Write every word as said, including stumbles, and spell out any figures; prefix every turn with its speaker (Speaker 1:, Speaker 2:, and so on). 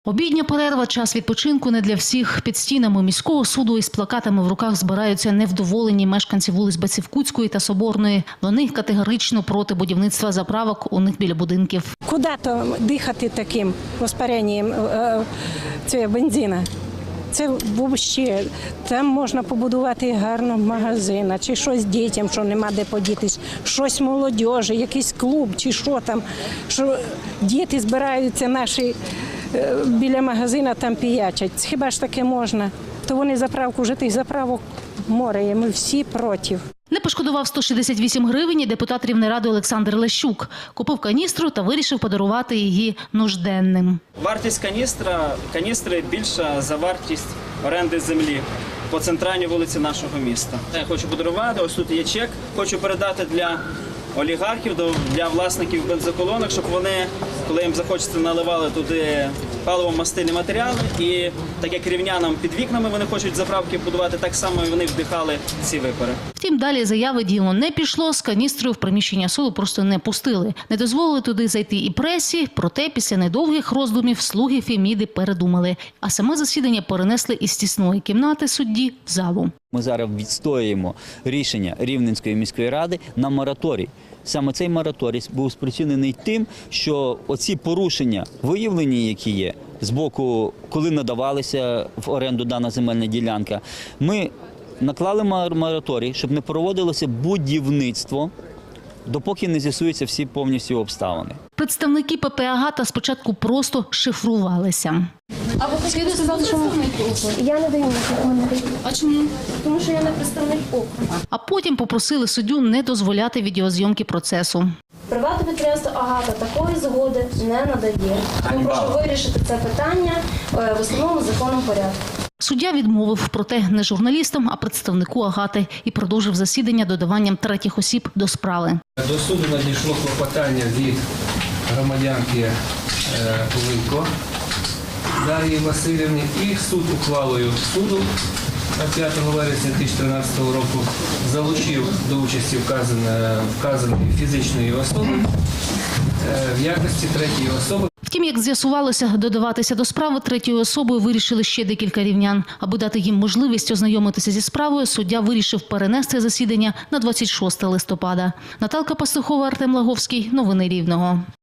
Speaker 1: Обідня перерва – час відпочинку не для всіх. Під стінами міського суду із плакатами в руках збираються невдоволені мешканці вулиць Бацівкутської та Соборної. Вони категорично проти будівництва заправок у них біля будинків.
Speaker 2: Куди то дихати таким воспаренням цього бензину? Це взагалі, там можна побудувати гарно магазин, чи щось дітям, що нема де подітись, щось молодіжі, якийсь клуб, чи що там, що діти збираються наші біля магазина, там піячать. Хіба ж таке можна? То вони заправку, вже тих заправок море є, ми всі проти.
Speaker 1: Не пошкодував сто шістдесят вісім гривень і депутат Рівнеради Олександр Лещук. Купив каністру та вирішив подарувати її нужденним.
Speaker 3: Вартість каністра, каністри більша за вартість оренди землі по центральній вулиці нашого міста. Я хочу подарувати, ось тут є чек, хочу передати для олігархів, для власників бензоколонок, щоб вони, коли їм захочеться, наливали туди паливо-мастильні матеріали. І так як рівнянам під вікнами вони хочуть заправки будувати, так само і вони вдихали ці випари.
Speaker 1: Втім, далі заяви діло не пішло, з каністрою в приміщення суду просто не пустили. Не дозволили туди зайти і пресі, проте після недовгих роздумів слуги Феміди передумали. А саме засідання перенесли із тісної кімнати судді в залу.
Speaker 4: Ми зараз відстоюємо рішення Рівненської міської ради на мораторій. Саме цей мораторій був спричинений тим, що оці порушення, виявлені, які є, з боку, коли надавалася в оренду дана земельна ділянка, ми наклали мораторій, щоб не проводилося будівництво, допоки не з'ясуються всі повністю обставини.
Speaker 1: Представники ПП «Агата» спочатку просто шифрувалися.
Speaker 5: А ви хотіли сказати, що я не даю на коментарі. А чому? Тому що я не представник округу.
Speaker 1: А потім попросили суддю не дозволяти відеозйомки процесу.
Speaker 5: Приватне підприємство «Агата» такої згоди не надає. Тому прошу вирішити це питання в установленому законом порядку.
Speaker 1: Суддя відмовив, проте не журналістам, а представнику «Агати» і продовжив засідання додаванням третіх осіб до справи.
Speaker 6: До суду надійшло клопотання від громадянки Линько Дар'ї Васильівни, і суд ухвалою суду п'ятого вересня дві тисячі тринадцятого року залучив до участі вказаної фізичної особи в якості третьої особи.
Speaker 1: Втім, як з'ясувалося, додаватися до справи третьою особою вирішили ще декілька рівнян. Аби дати їм можливість ознайомитися зі справою, суддя вирішив перенести засідання на двадцять шосте листопада. Наталка Пастухова, Артем Лаговський. Новини Рівного.